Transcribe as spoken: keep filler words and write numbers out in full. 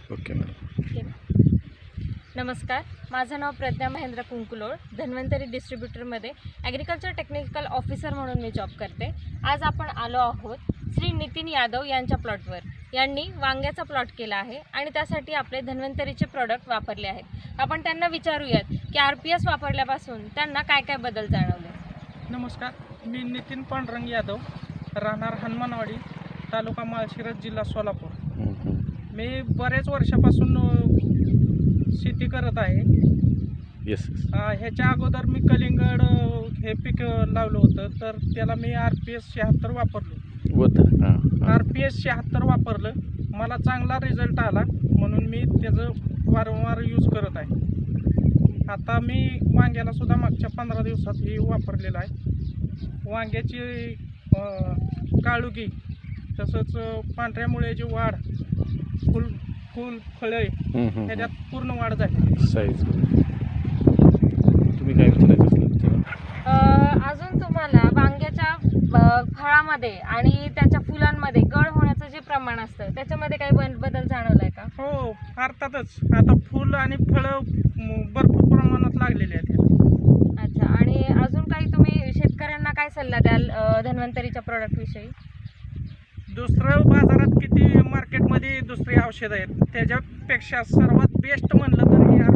Okay madam. नमस्कार, माझं नाव प्रज्ञा महेंद्र कुंकुलोळ. धन्वंतरी डिस्ट्रीब्युटरमध्ये ॲग्रिकल्चर टेक्निकल ऑफिसर म्हणून मी जॉब करते. आज आपण आलो आहोत श्री नितीन यादव यांच्या प्लॉटवर. यांनी वांग्याचा प्लॉट केला आहे आणि त्यासाठी आपले धन्वंतरीचे प्रॉडक्ट वापरले आहेत. आपण त्यांना विचारूयात की आर पी एस वापरल्यापासून त्यांना काय काय बदल जाणवले. नमस्कार, मी नितीन पांडुरंग यादव, राहणार हनुमानवाडी, तालुका माळशिरस, जिल्हा सोलापूर. मी बरेच वर्षापासून शेती करत आहे. येस. ह्याच्या अगोदर मी कलिंगड हे पीक लावलं होतं, तर त्याला मी आर पी एस शहात्तर वापरलो होतं. आर पी एस शहात्तर वापरलं, मला चांगला रिझल्ट आला, म्हणून मी त्याचं वारंवार यूज करत आहे. आता मी वांग्याला सुद्धा मागच्या पंधरा दिवसात हे वापरलेलं आहे. वांग्याची काळुगी, तसंच पांढऱ्या मुळ्याची वाढ, फुल फुल फळे ह्याच्यात पूर्ण वाढ झाली. साईज तुम्ही काय विचारायचं असेल? अजून तुम्हाला वांग्याच्या फळामध्ये आणि त्याच्या फुलांमध्ये गळ होण्याचं जे प्रमाण असतं त्याच्यामध्ये काही बदल जाणवलाय का? हो, अर्थातच. आता फुल आणि फळं भरपूर प्रमाणात लागलेले आहेत. अच्छा, आणि अजून काही तुम्ही शेतकऱ्यांना काय सल्ला द्याल धन्वंतरीच्या प्रोडक्ट विषयी? दुसरं बाजारात किती मार्केटमध्ये दुसरी औषधं आहेत, त्याच्यापेक्षा सर्वात बेस्ट म्हणलं तर हे आर